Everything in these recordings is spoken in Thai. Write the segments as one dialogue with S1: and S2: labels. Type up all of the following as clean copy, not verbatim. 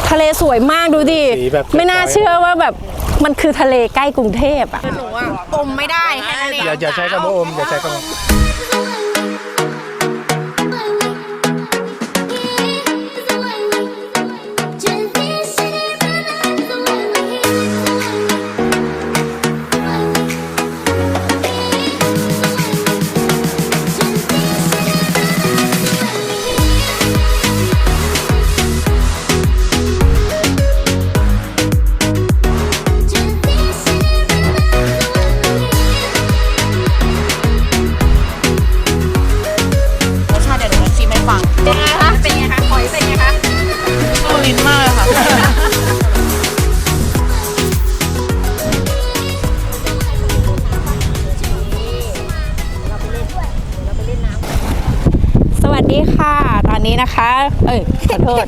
S1: ทะเลสวยมากดูดิไม่น่าเชื่อว่าแบบมันคือทะเลใกล้กรุงเทพอ่ะหนูอ่ะอมไม่ได้แค่นั้นเอง
S2: อย่าใช้คำว่าอมอย่าใช้คำว่า
S1: สวัสดีค่ะตอนนี้นะคะขอโทษ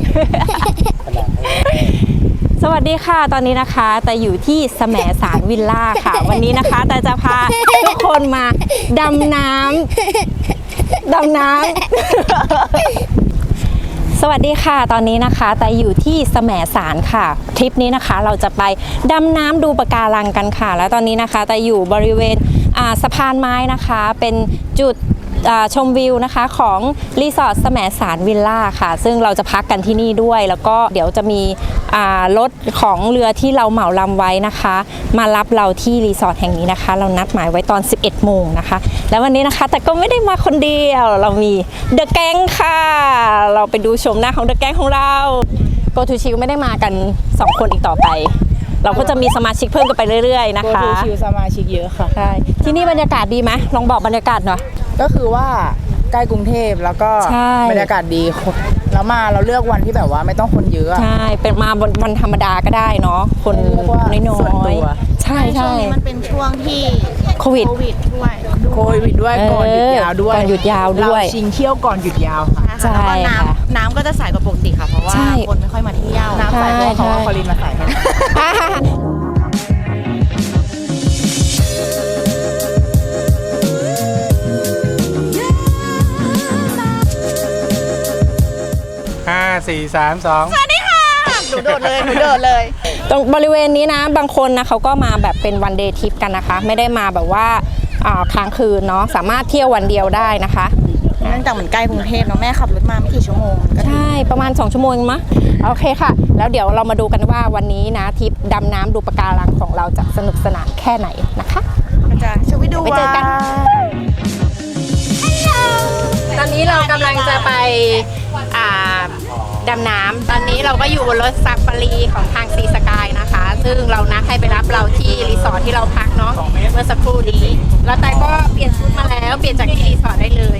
S1: สวัสดีค่ะตอนนี้นะคะแต่อยู่ที่แสมสารวิลล่าค่ะวันนี้นะคะแต่จะพาทุกคนมาดำน้ำสวัสดีค่ะตอนนี้นะคะแต่อยู่ที่แสมสารค่ะทริปนี้นะคะเราจะไปดำน้ำดูปะการังกันค่ะแล้วตอนนี้นะคะแต่อยู่บริเวณสะพานไม้นะคะเป็นจุดชมวิวนะคะของรีสอร์ทแสมสารวิลล่าค่ะซึ่งเราจะพักกันที่นี่ด้วยแล้วก็เดี๋ยวจะมีรถของเรือที่เราเหมาลำไว้นะคะมารับเราที่รีสอร์ทแห่งนี้นะคะเรานัดหมายไว้ตอน 11 โมงนะคะแล้ววันนี้นะคะแต่ก็ไม่ได้มาคนเดียวเรามีเดอะแก๊งค่ะเราไปดูชมหน้าของเดอะแก๊งของเราโกทูชิลไม่ได้มากัน2คนอีกต่อไปเราก็จะมีสมาชิกเพิ่มกันไปเรื่อยๆนะคะ
S3: โกทูชิลสมาชิกเยอะค่ะ
S1: ใช่ที่นี่บรรยากาศดีไหมลองบอกบรรยากาศหน่อย
S3: ก็คือว่าใกล้กรุงเทพแล้วก็บรรยากาศดีแล้วเราเลือกวันที่แบบว่าไม่ต้องคนเยอะ
S1: ใช่เป็นมาวันธรรมดาก็ได้เนาะคนน้อยๆใช่
S4: ช่วงนี้มันเป็นช่วงที่
S1: โควิด
S4: ด้วย
S3: ก่อนหยุดยาวด้วย
S1: เรา
S3: ชิงเที่ยวก่อนหยุดยาวค่ะ
S1: ใช่
S4: แล้วก็น้ำก็จะใสกว่าปกติค่ะเพราะว่าคนไม่ค่อยมาเที่ยว
S3: น้ำใสเพราะว่าคอลินมาใส่
S2: 5 4 3 2
S4: สวัสดีค่ะหนูโดดเลย
S1: ตรงบริเวณนี้นะบางคนนะเขาก็มาแบบเป็นวันเดย์ทริปกันนะคะไม่ได้มาแบบว่าค้างคืนเนาะสามารถเที่ยววันเดียวได้นะคะ
S4: เนื่องจากเหมือนใกล้กรุงเทพเนาะแม่ขับรถมาไม่กี่ชั่วโมง
S1: ใช่ประมาณ2 ชั่วโมงมั้ยโอเคค่ะแล้วเดี๋ยวเรามาดูกันว่าวันนี้นะทริปดำน้ำดูปะการังของเราจะสนุกสนานแค่ไหนนะคะ
S4: จะช่วยดู
S1: ไปเจอกันตอนนี้เรากำลังจะไปดำน้ำตอนนี้เราก็อยู่บนรถซาฟารีของทางซีสกายนะคะซึ่งเรานัดให้ไปรับเราที่รีสอร์ทที่เราพักเนาะเมื่อสักครู่นี้แล้วแต่ก็เปลี่ยนชุดมาแล้วเปลี่ยนจากที่รีสอร์ทได้เลย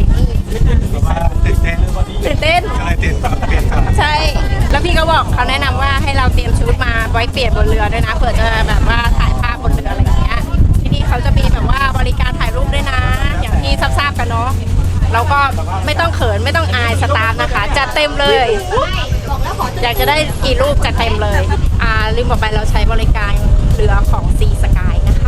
S1: ตื่นเต้นใช่แล้วพี่ก็บอกเขาแนะนำว่าให้เราเตรียมชุดมาไว้เปลี่ยนบนเรือด้วยนะเผื่อจะแบบว่าถ่ายภาพบนเรืออะไรอย่างเงี้ยที่นี่เขาจะมีแบบว่าบริการถ่ายรูปด้วยนะอย่างที่ทราบกันเนาะเราก็ไม่ต้องเขินไม่ต้องอายสตาฟนะคะจัดเต็มเลยอยากจะได้กี่รูปจัดเต็มเลยลืมบอกไปเราใช้บริการเรือของซีสกายนะคะ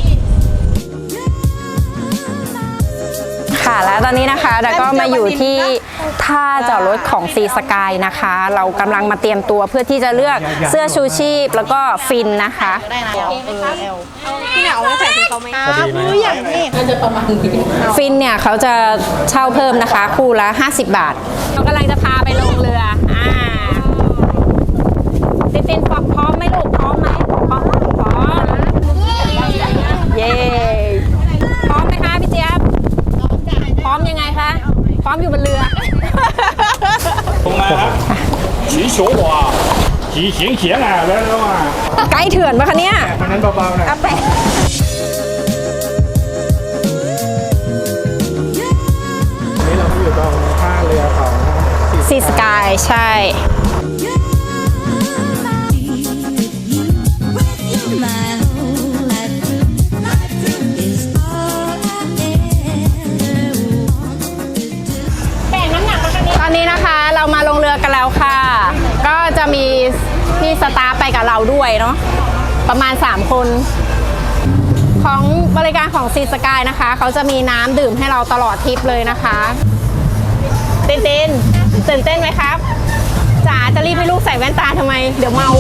S1: ค่ะแล้วตอนนี้นะคะเราก็มาอยู่ที่ท่าจอดรถของซีสกายนะคะเรากำลังมาเตรียมตัวเพื่อที่จะเลือกเสื้อชูชีพแล้วก็ฟินนะคะ
S4: พี่หนาวใส่คือเขาไหมอย่างนี้
S1: ฟินเนี่ยเขาจะเช่าเพิ่มนะคะคู่ละ50 บาทเรากำลังจะพาไปลงเรือตินพร้อมไหมลูกพร้อมไหมพร้อมเย้พร้อมไหมคะพี่เจี๊ยบพร้อมยังไงคะพร้อมอยู่บนเรือไกด์เถื่อนปะคะเนี่ย
S2: นั้นเบาๆหน่อยนี่เราอยู่ตรงท่าเรือของ
S1: ซีสกายใช่ตอนนี้นะคะเรามาลงเรือกันแล้วค่ะก็จะมีพี่สตาฟไปกับเราด้วยเนาะประมาณ3 คนของบริการของซีสกายนะคะเขาจะมีน้ำดื่มให้เราตลอดทริปเลยนะคะตื่นเต้นไหมครับจ๋าาจะรีบให้ลูกใส่แว่นตาทำไมเดี๋ยวเมา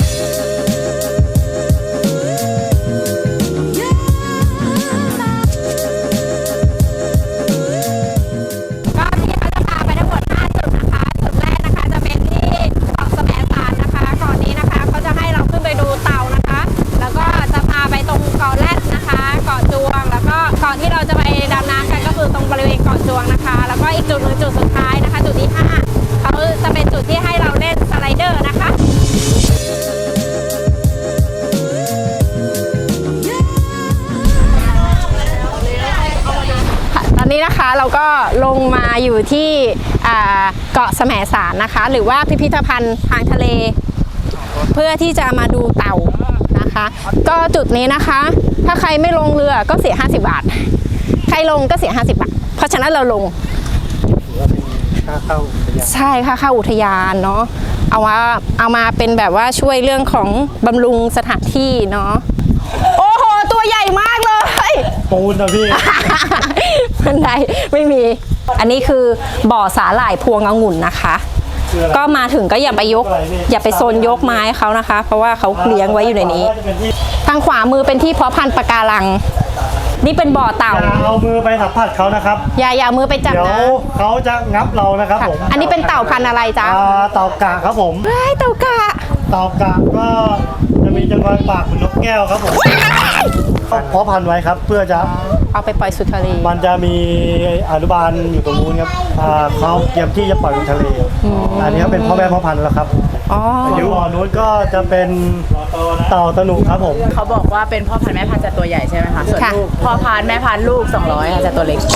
S1: ก็ที่เขาจะพาไปทั้งหมด5จุดนะคะจุดแรกนะคะจะเป็นที่เกาะแสมสารนะคะก่อนนี้นะคะเขาจะให้เราขึ้นไปดูเต่านะคะ แล้วก็จะพาไปตรงเกาะแรดนะคะเกาะจวงแล้วก็เกาะที่เราจะไปดำน้ำกันก็คือตรงบริเวณเกาะจวงนะคะแล้วก็อีกจุดหนึ่งจุดสุดท้ายนะคะจุดที่5เขาจะเป็นจุดที่ให้เราเล่นสไลเดอร์นะคะตอนนี้นะคะเราก็ลงมาอยู่ที่เกาะแสมสารนะคะหรือว่าพิพิธภัณฑ์ทางทะเลเพื่อที่จะมาดูเต่านะคะก็จุดนี้นะคะถ้าใครไม่ลงเรือก็เสีย50 บาทใครลงก็เสีย50 บาทเพราะฉะนั้นเราลง
S2: ค่าเข้าอุทยาน
S1: ใช่ค่ะเข้าอุทยานเนาะเอามาเป็นแบบว่าช่วยเรื่องของบำรุงสถานที่เนาะโอ้โหตัวใหญ่มากเลย
S2: ปูนนะพี่
S1: บันไดไม่มีอันนี้คือบ่อสาหร่ายพวงองุ่นนะคะ ก็มาถึงก็อย่าไปโซนยกไม้เขานะคะ เพราะว่าเขาเลี้ยงไว้อยู่ในนี้ ทางขวามือเป็นที่เพาะพันธุ์ปะการัง นี่เป็นบ่อเต่า
S2: อย่าเอามือไปสัมผัสเขานะครับ
S1: อย่าเอามือไปจับ
S2: เดี๋ยว
S1: นะ
S2: เขาจะงับเรานะครับ
S1: ค่ะ
S2: ผม
S1: อันนี้เป็นเต่าพันธุ์อะไรจ๊ะ
S2: เต่ากะครับผม
S1: เฮ้ยเต่ากะ
S2: เต่ากะก็จะมีจำนวนปากเหมือนนกแก้วครับผมเพาะพันธุ์ไว้ครับเพื่อจะ
S1: เอาไปปล่อยสู่ทะเล
S2: มันจะมีอนุบาลอยู่ตรงนู้นครับเขาเตรียมที่จะปล่อยลงทะเลอันนี้ก็เป็นพ่อแม่พ่อพันธุ์แล้วครับ
S1: อ๋อ
S2: อยู่บ่อนู้นก็จะเป็นเต่าตะหนุครับผม
S3: เขาบอกว่าเป็นพ่อพันธุ์แม่พันธุ์จะตัวใหญ่ใช่ไหมคะส่วนลูกพ่อพันธุ์แม่พันธุ์ลูก200ค่ะจะตัวเล็ก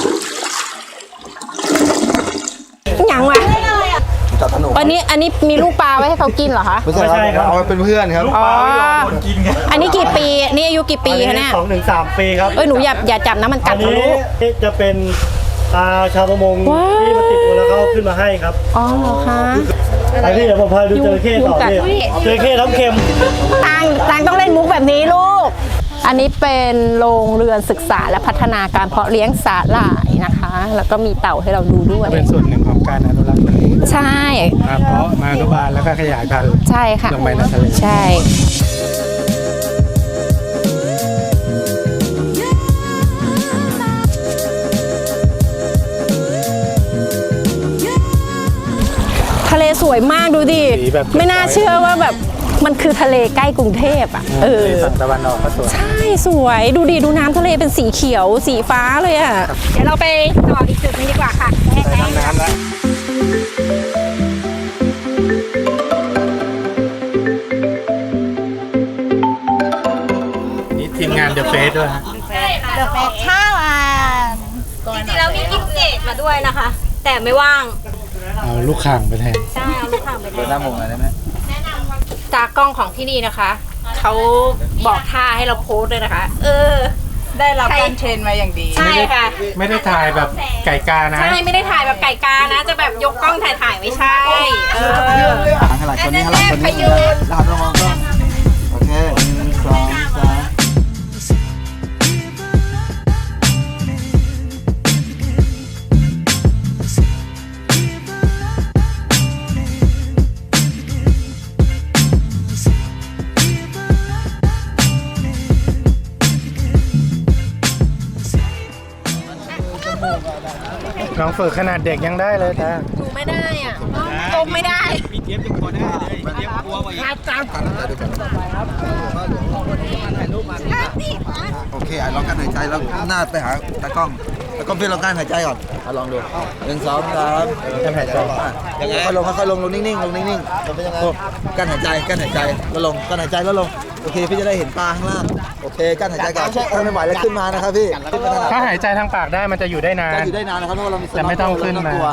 S1: ยังวะอันนี้มีลูกปลาไว้ให้เขากินเหรอคะ
S2: ไม่ใช่ครับ
S5: เอาไว้เป็นเพื่อนครับ
S1: อ๋อ อันนี้กี่ปี นี่อายุกี่ปีคะเนี่ย
S2: 2-3 ปีครับ
S1: หนูอย่าจับนะมันกั
S2: อั
S1: ด
S2: น
S1: นะ
S2: นี้
S1: ลูก
S2: จะเป็นชาวประมง
S1: ว้าว
S2: ที่มาติดตัวแล้วเขาขึ้นมาให้ครับ
S1: อ๋อเหรอคะ
S2: ไอพี่เดี๋ยวผมพาดูจระเข้ต่อ
S1: ยุงกัด
S2: พี่จระเข้น้ำเค็ม
S1: ตังต้องเล่นมุกแบบนี้ลูก อันนี้เป็นโรงเรือนศึกษาและพัฒนาการเพาะเลี้ยงสาหร่ายนะคะ แล้วก็มีเต่าให้เราดูด้วย
S2: เป็นส่วนหนึ่งของการอนุรักษ์
S1: ใช่
S2: มาเพาะมาอนุบาลแล้วก็ขยายพันธุ์
S1: ใช่ค่ะ
S2: ลงไปในทะเล
S1: ใช่ ทะเลสวยมากดูดิ ไม่น่าเชื่อว่าแบบมันคือทะเลใกล้กรุงเทพอ่ะ
S2: ฝั่งตะวันออกก็สวย
S1: ใช่สวยดูดิดูน้ำทะเลเป็นสีเขียวสีฟ้าเลยอ่ะ เดี๋ยวเราไปต่ออีกจุดนึงดีกว่าค่ะ
S2: ไปทำน้ำแล้วนี่ทีมงานเดอะเฟสด้วยฮะ
S4: ข้าวจริงๆแล้วมีกิฟเกตมาด้วยนะคะ แต่ไม่ว่าง
S2: เอาลูกข่างไปแทน
S4: ใช่เอาลูกค้าไปด้วย
S5: หน้าหมงอะไรได้ไหม
S1: จากกล้องของที่นี่นะคะเขาบอกท่าให้เราโพสต์เลยนะคะ
S3: ได้รับการเทรนมาอย่างดี
S1: ใช่ค่ะ
S2: ไม่ได้ถ่ายแบบไก่กานะ
S1: ใช่ไม่ได้ถ่ายแบบไก่กานะ จะแบบยกกล้องถ่ายไม่ใช่
S5: หันหลังคนนี้หันหลังคนนี้หันลงมองกล้องโอเค1 2 3
S2: น้องฝึกขนาดเด็กยังได้เลยจ้า
S1: หนูไม่ได้อ่ะจมไม่ได้
S5: โอเคลองกั้นหายใจแล้วหน้าไปหาตากล้องพี่ลองกั้นหายใจก่อนลองดู1 2 3
S2: กั้นหายใจ
S5: ยังไงค่อยลงนิ่งๆลงนิ่งๆกั้นหายใจแล้วลงกั้นหายใจแล้วลงโอเคพี่จะได้เห็นปลาข้างล่างโอเคกั้นหายใจก่อนถ้าไม่ไหวแล้วขึ้นมานะครับพี่
S2: ถ้าหายใจทางปากได้มันจะอยู่ได้นา
S5: จะ
S2: น
S5: อยู่ได้นานนะครับเพราะว่าเรามี
S2: แต่ไม่ต้องขึ้นมา
S5: กลัว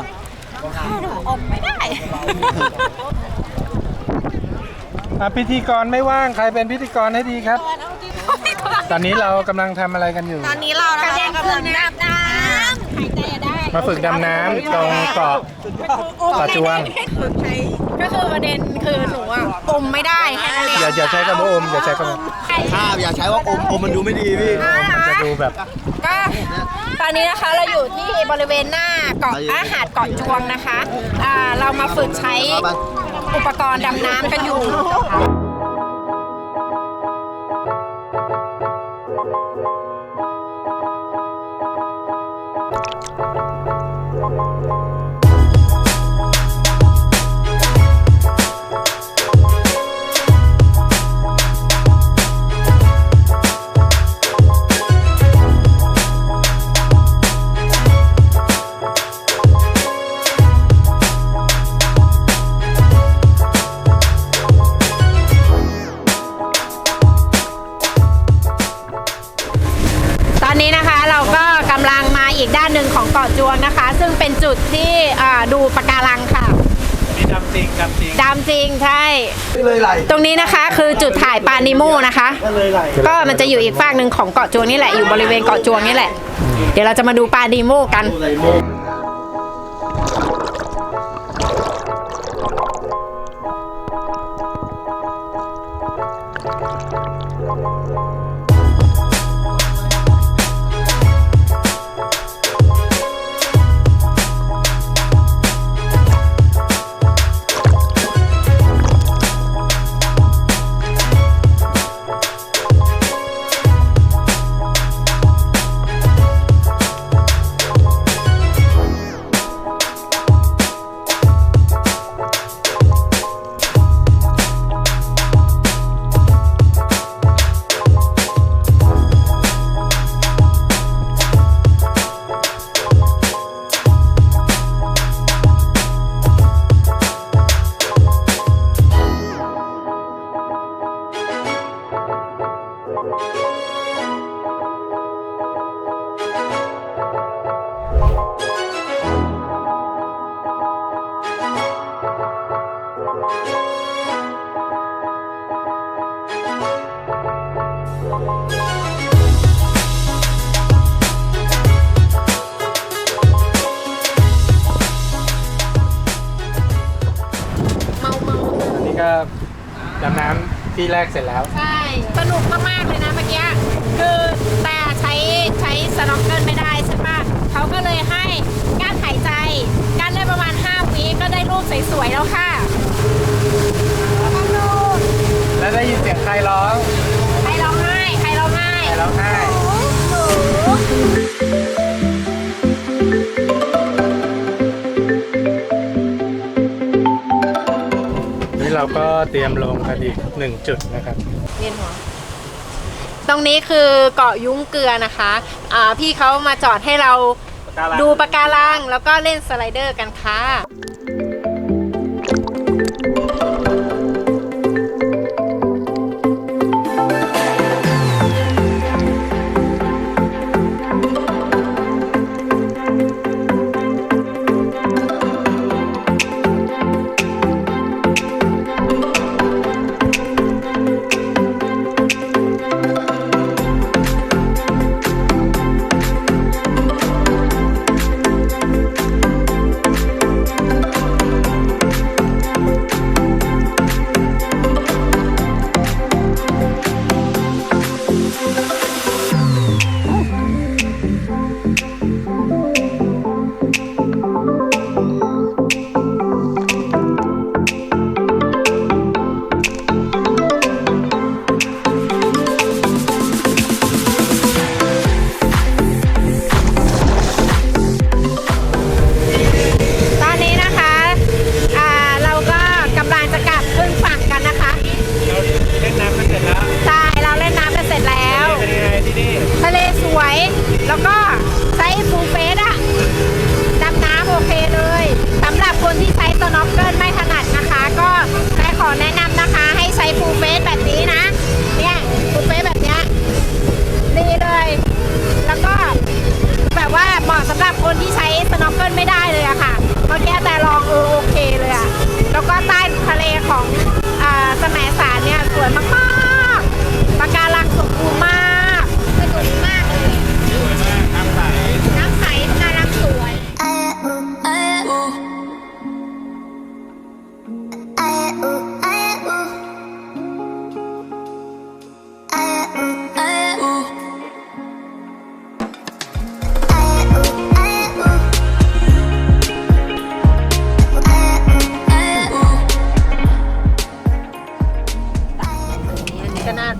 S2: พิธีกรไม่ว่างใครเป็นพิธีกรให้ดีครับ ตอนนี้เรากำลังทำอะไรกันอยู่
S4: ตอนนี้เรานะคะกำลังดำน้ำหายใจได้
S2: มาฝึกดำน้ำตรงเกาะจวง
S1: ก็คือประเด็นคือหนูอ่ะอมไม่ได้แค่นั้นเอง
S2: อย่าใช้คำว่าอมอย่าใช้คำว่า
S5: ข้าวอย่าใช้ว่าอมมันดูไม่ดีพี่
S2: มันจะดูแบบ
S1: ก็ตอนนี้นะคะเราอยู่ที่บริเวณหน้าเกาะหาดเกาะจวงนะคะเรามาฝึกใช้อุปกรณ์ดำน้ำกันอยู่ ตอนนี้นะคะเราก็กำลังมาอีกด้านหนึ่งของเกาะจวงนะคะ ซึ่งเป็นจุดที่ดูปะการังค่ะดำจริงใช่
S5: เลยไหล
S1: ตรงนี้นะคะคือจุดถ่ายปลานิโมนะคะ ก็มันจะอยู่อีกฝั่งหนึ่งของเกาะจวงนี่แหละอยู่บริเวณเกาะจวงนี่แหละ เดี๋ยวเราจะมาดูปลานิโมกัน
S6: นี่ก็ดำน้ำที่แรกเสร็จแล้ว
S1: ใช่สนุกมากๆเลยนะเมื่อกี้คือแต่ใช้สน็อกเกิลไม่ได้ใช่ปะเขาก็เลยให้กั้นหายใจกั้นได้ประมาณ5 วิก็ได้รูปสวยๆแล้วค่ะ
S6: แล้วได้ยินเสียงใครร้อง
S1: ใครร้องไห้ใครร้องไห้
S6: ใครร้องไห้นี่เราก็เตรียมลงกันอีก1 จุดนะครับ
S1: เวียนหัวตรงนี้คือเกาะยุ้งเกลือนะคะพี่เขามาจอดให้เราดูปะการังแล้วก็เล่นสไลเดอร์กันค่ะ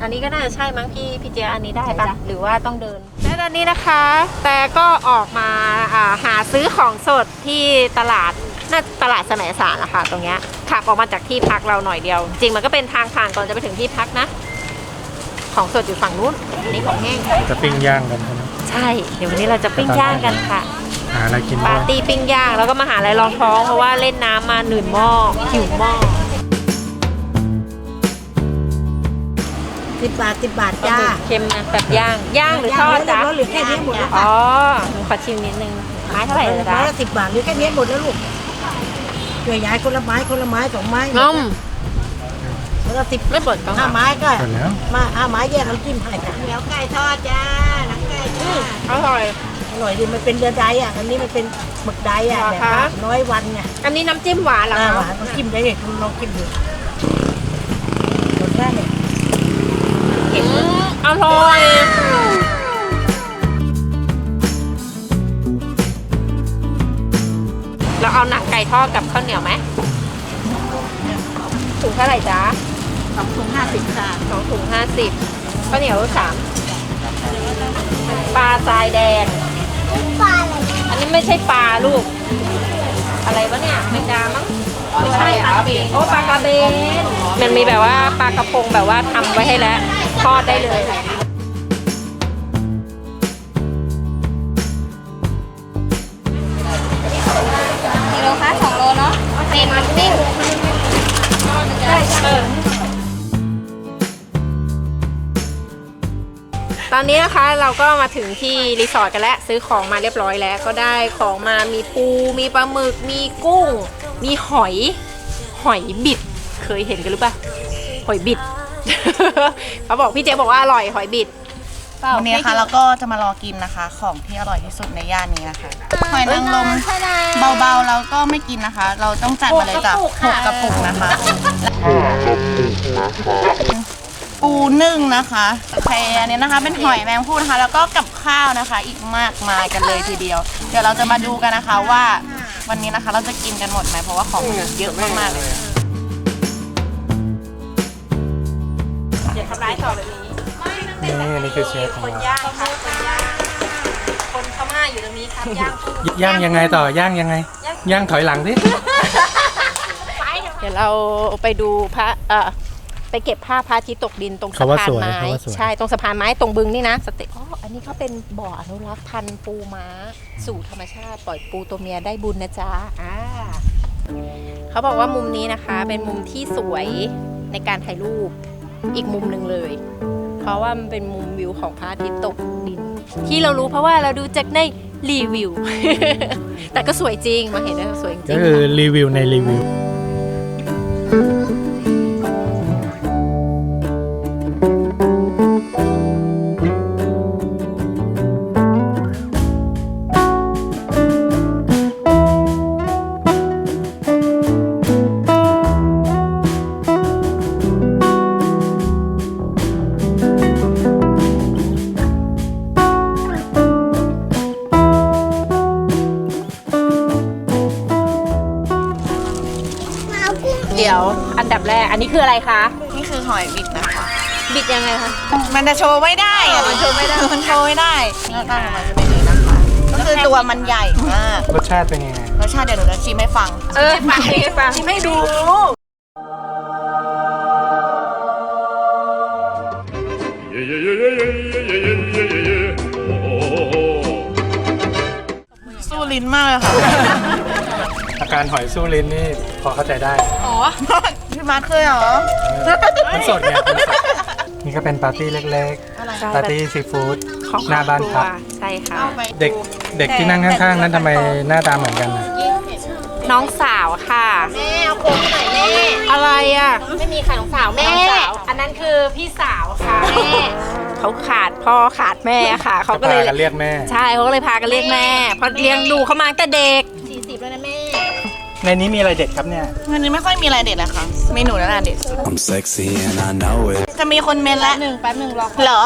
S1: อันนี้ก็น่าจะใช่มั้งพี่เจียอันนี้ได้ปะหรือว่าต้องเดินและตอนนี้นะคะ แต่ก็ออกมาหาซื้อของสดที่ตลาดน่าตลาดแสมสารนะคะตรงเนี้ยขับออกมาจากที่พักเราหน่อยเดียว จริงมันก็เป็นทางผ่านก่อนจะไปถึงที่พักนะ ของสดอยู่ฝั่งนู้นอันนี้ของแห้ง
S6: จะปิ้งย่างกันใช่ไหม
S1: ใช่ เดี๋ยววันนี้เราจะปิ้งย่างกันค่ะ
S6: หาอะไรกิน
S1: ปา
S6: ด้วย
S1: ร์ตี้ปิ้งย่างแล้วก็มาหาอะไรรองท้องเพราะว่าเล่นน้ำมาหนื่นหม้อหิวหม้อ
S7: 10 บาท 10 บาทจ้า
S1: เค็มนะแบบย่างหรือทอดจ๊ะ
S7: หรือแค่นี้หมดแล้ว
S1: อ๋อหนูขอชิมนิดนึงไม้เท่าไหร่เลยจ๊ะ
S7: ไม้ละ10 บาทหรือแค่นี้หมดแล้วลูกช่วยยายคนละไม้2 ไม้
S1: น้ม
S7: แล้วก็10
S1: ไม่ปวดกล้อง
S7: 5 ไม้ก็
S6: หมดแล้ว
S7: มา5 ไม้แยกน้ำจิ้มให้จ้ะ
S4: เดี๋ยวไก่ทอดจ้าหนังไก่จ้า
S1: อร่อย
S7: อร่อยดีมันเป็นเรือใดอ่ะอันนี้มันเป็นหมึกใดอ่ะ
S1: เหรอ
S7: แบบ
S1: คะ
S7: ว่าน้อยวันไง
S1: อันนี้น้ำจิ้มหวานเหรอ
S7: ห
S1: คะ
S7: วานต้องจิ้มได้เลยคุณลองจิ้มดูรสชาติเนี่ย
S1: อร่อยเราเอาหนังไก่ทอดกับข้าวเหนียวไหมถุงเท่าไหร่จ๊ะ
S7: 2 ถุง 50 ค่ะ
S1: 2 ถุง 50ข้าวเหนียว3ปลาทรายแดงอันนี้ไม่ใช่ปลาลูก อะไรวะเนี่ยแมงดามั้งไม่ใช่ปลากระเบนโอ้ปลากระเบนมันมีแบบว่าปลากระพงแบบว่าทำไว้ให้แล้วทอดได้เลย
S4: กิโลคะ2 โลเนาะเป็นมันนิ่ง
S1: ตอนนี้นะคะเราก็มาถึงที่รีสอร์ทกันแล้วซื้อของมาเรียบร้อยแล้วก็ได้ของมามีปูมีปลาหมึกมีกุ้ง มีหอยบิดเคยเห็นกันหรือเปล่าหอยบิด เขาบอกพี่เจ๊บอกว่าอร่อยหอยบิด
S3: วันนี้นะคะเราก็จะมารอกินนะคะ ของที่อร่อยที่สุดในย่านนี้นะคะหอยนางรมเบาๆแล้วก็ไม่กินนะคะ เราต้องจัดมาเลยจ้ะ6 กระปุกนะคะ ปูนึ่งนะคะโอเคอันนี้นะคะเป็นหอยแมงภู่นะคะ แล้วก็กับข้าวนะคะ อีกมากมายกันเลยทีเดียว เดี๋ยวเราจะมาดูกันนะคะว่าวันนี้นะคะเราจะกินกันหมดไหมเพราะว่าของมันเยอะมากๆเลย
S1: อย่าทำร้ายต่อแบบนี้
S6: นี่คือเชฟของ
S1: คน
S6: เรา
S1: ย่างค่ะคนย่างคนพม่าอยู่ตรงนี้ครับย่างกุ้ง
S6: ย่างยังไงต่อย่างยังไง ย่างถอยหลังดิ
S1: เดี๋ยวเราไปดูพระไปเก็บภาพพระอาทิตย์ตกดินตรงสะ
S6: เขาว่า
S1: พาน
S6: สวย
S1: ไม้
S6: เขาว่าสวย
S1: ใช่ตรงสะพานไม้ตรงบึงนี่นะสเต็ปอันนี้เขาเป็นบ่ออนุรักษ์พันธุ์ปูม้าสู่ธรรมชาติปล่อยปูตัวเมียได้บุญนะจ๊ะเขาบอกว่ามุมนี้นะคะ เป็นมุมที่สวยในการถ่ายรูปอีกมุมหนึ่งเลย เพราะว่ามันเป็นมุมวิวของพระอาทิตย์ตกดิน ที่เรารู้เพราะว่าเราดูจากในรีวิว แต่ก็สวยจริงมาเห็นแล้วสวยจริง
S6: ก็คือรีวิวในรีวิว
S1: เดี๋ยวอันดับแรกอันนี้คืออะไรคะ
S3: นี่คือหอยบิดนะคะ
S1: บิดยังไงคะ
S3: มันจะโชว์ไม่ได้อะมันโชว์ไม่ได้มันโชว์ไม่ได้หน้าตามันจะเป็นอย่างนี้นะคะก็คือตัวมันใหญ่มาก
S6: รสชาติเป็นยังไง
S3: รสชาติเดี๋ยวหนูจะชิมให้ฟัง
S1: ฟังชิมให้ดู
S3: สู้ลิ้นมากเลยค่ะ
S6: อาการหอยสู้ลิ้นนี่พอเข้าใจได้
S3: พี่มาร์คเคยเหรอ
S6: มันสดไงมันสดนี่ก็เป็นปาร์ตี้เล็กๆ ปาร์ตี้ซีฟู้ด
S1: ของ
S6: หน้าบ้านพัก
S1: ใช่ค่ะ
S6: เด็กที่นั่งข้างๆ นั้นทำไมหน้าตาเหมือนกันนะ
S1: น้องสาวค่ะ
S4: แม่เอาโค้งหน่อยแม่
S1: อะไรอ่ะ
S4: ไม่มีค่ะน้องสาวแม่
S1: น้องสาวอันนั้นคือพี่สาวค่ะแม่เขาขาดพ่อขาดแม่ค่ะเขาก็เลย
S6: พากันเรียกแม่
S1: ใช่เขาก็เลยพากันเรียกแม่เพราะเลี้ยงดูเขามาตั้งแต่เด็ก
S4: 40แล้วนะแม่
S6: ในนี้มีอะไรเด็ดครับเนี่ย
S3: วันนี้ไม่ค่อยมีอะไรเด็ดเลยค่ะ เมนูนั่นแหละเด็ด
S8: I'm sexy and I know it.
S3: จะมีคนเมนละ
S4: แป๊บหนึ่งรอ
S3: เหรอ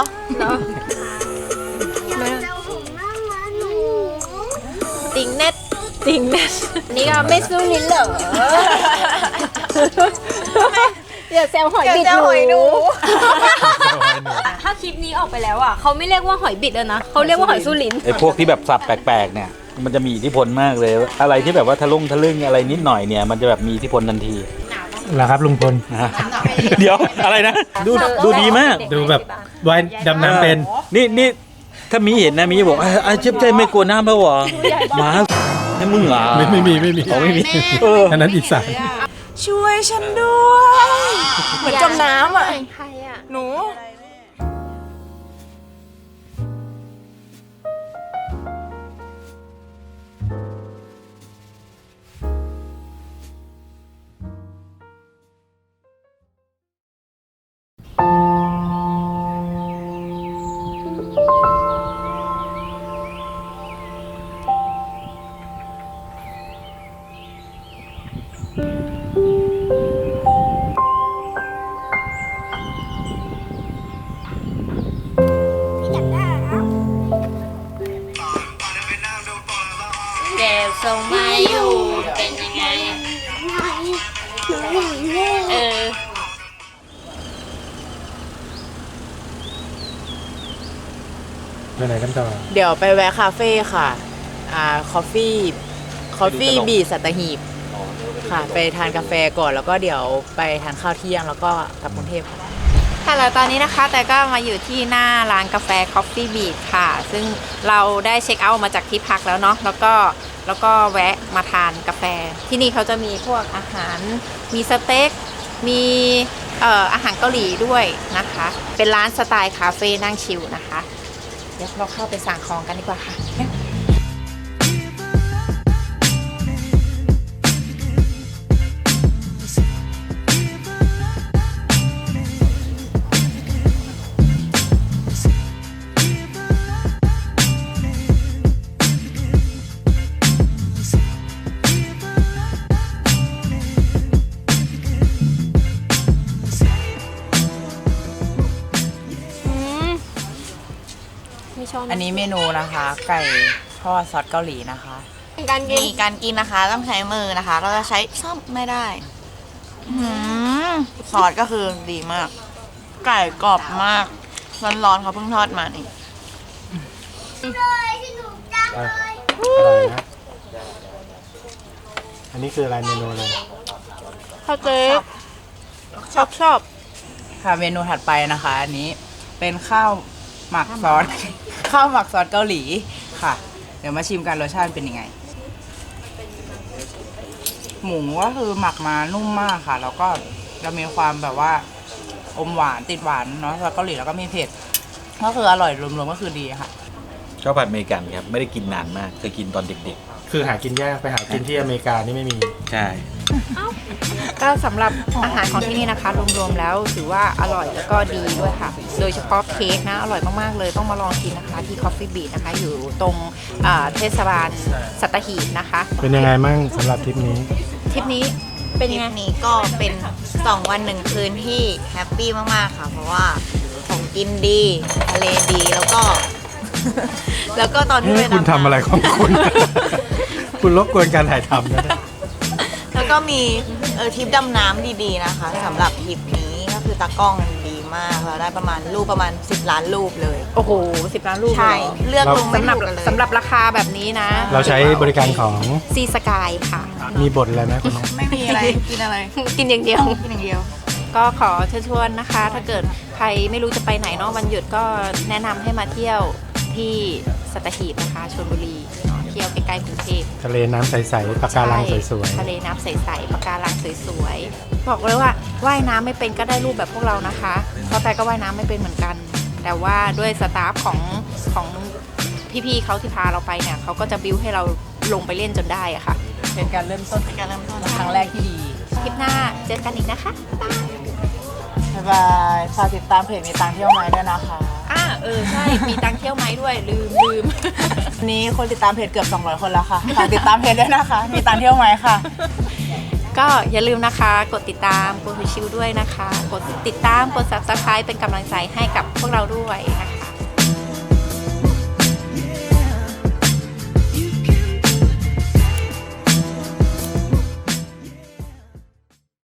S1: ติงเน็ตติงเน็ต
S4: นี่ก็ไม่สู้ลิ้นเหรออย่าแซวหอยบิด
S3: เดี๋ยวจะหอยหนู
S6: ห
S4: คลิปนี้ออกไปแล้วอ่ะเขาไม่เรียกว่าหอยบิดแล้วนะเขาเรียกว่าหอยสู้ลิ้น
S9: ไอ้พวกที่แบบสับแปลกๆเนี่ยมันจะมีอิทธิพลมากเลย อะไรที่แบบว่าทะลึ่งอะไรนิดหน่อยเนี่ยมันจะแบบมีอิทธิพลทันที
S6: เหรอครับลุงพล
S9: เดี๋ยวอะไรนะดูดีมาก
S6: ดูแบบว่ายดำน้ำเป็น
S9: นี่ถ้ามีเห็นนะมีบอกเจ็บใจไม่กลัวน้ำแล้วเหรอหมาให้มึงเหรอ
S6: ไม่มี
S9: อ๋อไม่มี
S6: อันนั้นอีสาน
S3: ช่วยฉันด้วยเหมือนจมน้ำอ่ะหนู
S4: แกส่งมาอยู่เป็นยังไง
S6: ไปไหนกันต่อ
S3: เดี๋ยวไปแวะคาเฟ่ค่ะคอฟฟี่บีสัตหีบค่ะไปทานกาแฟก่อนแล้วก็เดี๋ยวไปทานข้าวเที่ยงแล้วก็กลับกรุงเทพค่ะ
S1: ค่ะแล้วตอนนี้นะคะแต่ก็มาอยู่ที่หน้าร้านกาแฟ Coffee Beat ค่ะ ซึ่งเราได้เช็คเอาท์มาจากที่พักแล้วเนาะแล้วก็แวะมาทานกาแฟ ที่นี่เขาจะมีพวกอาหารมีสเต็กมีอาหารเกาหลีด้วยนะคะ เป็นร้านสไตล์คาเฟ่นั่งชิลนะคะ เดี๋ยวเราเข้าไปสั่งของกันดีกว่าค่ะ
S3: อันนี้เมนูนะคะ ไก่ทอดซอสเกาหลีนะคะการกินนะคะต้องใช้มือนะคะ เราจะใช้ซ่อมไม่ได้ซอสก็คือดีมาก ไก่กรอบมากร้อนๆเขาเพิ่งทอดมานี่
S6: อะไรนะ อันนี้คืออะไรเมนูอะไร
S3: ข้าวเจ๊ชอบค่ะเมนูถัดไปนะคะ อันนี้เป็นข้าวหมักซอส ข้าวหมักซอสเกาหลีค่ะ เดี๋ยวมาชิมกันรสชาติเป็นยังไง หมูก็คือหมักมานุ่มมากค่ะ แล้วก็จะมีความแบบว่าอมหวานติดหวานเนาะซอสเกาหลีแล้วก็มีเผ็ดก็คืออร่อยรวมๆก็คือดีค่ะ
S9: ชอบผัดอเมริกันครับไม่ได้กินนานมากเคยกินตอนเด็ก
S6: คือหากินยากไปหากินที่อเมริกานี่ไม่มี
S9: ๆใช่
S1: ก็สำหรับอาหารของที่นี่นะคะรวมๆแล้วถือว่าอร่อยแล้วก็ดีด้วยค่ะ โดยเฉพาะเค้กนะอร่อยมากๆเลยต้องมาลองกินนะคะที่ Coffee Beat นะคะอยู่ตรงเทศบาลสัตหีบนะคะ
S6: เป็นยังไงมั่งสำหรับทริปนี้
S1: ทริปนี้เป็นยังไง
S3: นี้ก็เป็น2 วัน 1 คืนที่แฮปปี้มากๆค่ะ เพราะว่าของกินดีทะเลดีแล้วก็ แล้วก็ตอนที่ไป
S6: คุณทำอะไรของคุณ คุณรบกวนการถ่ายทำนะ
S3: แล้วก็มีทริปดำน้ำดีๆนะคะสำหรับทริปนี้ก็คือตากล้องดีมากเราได้ประมาณ10 ล้านรูปเลย
S1: โอ้โห10 ล้านรูป
S3: ใช่ เลือกลงไม่
S1: สำหรับ
S3: ถูกกันเลย
S1: สำหรับราคาแบบนี้นะ
S6: เราใช้บริการของ
S1: ซีสกายค่ะ
S6: มีบทอะไรไหมคุณน้อง
S3: ไม่มีอะไร กินอะไร
S1: กินอย่างเดียว
S3: กินอย่างเดียว
S1: ก็ขอเชิญชวนนะคะ ถ้าเกิดใครไม่รู้จะไปไหนเนาะวันหยุดก็แนะนำให้มาเที่ยวที่สัตหีบนะคะชลบุรีเนาะเที่ยวใกล้ๆกรุงเทพ
S6: ทะเลน้ำใสๆปะการังสวย
S1: ทะเลน้ำใสๆปะการังสวยๆบอกเลยว่าว่ายน้ำไม่เป็นก็ได้รูปแบบพวกเรานะคะเพราะแต่ก็ว่ายน้ำไม่เป็นเหมือนกัน แต่ว่าด้วยสตาฟของพี่ๆเขาที่พาเราไปเนี่ยเขาก็จะบิ้วให้เราลงไปเล่นจนได้อะค่ะ
S3: เป็นการเริ่มต้นครั้งแรกที่ดี
S1: คลิปหน้าเจอกันอีกนะคะ
S3: บ๊ายบายฝากติดตามเพจมีตังเที่ยวไม้ด้วยนะคะ
S1: ใช่มีตังเที่ยวไหมด้วยลืม
S3: วันนี้คนติดตามเพจเกือบ200 คนแล้วค่ะฝากติดตามเพจด้วยนะคะ มีตังเที่ยวไม้ค่ะ
S1: ก็อย่าลืมนะคะ กดติดตามกดชิวด้วยนะคะ กดติดตามกด Subscribe เป็นกำลังใจให้กับพวกเราด้วยนะคะ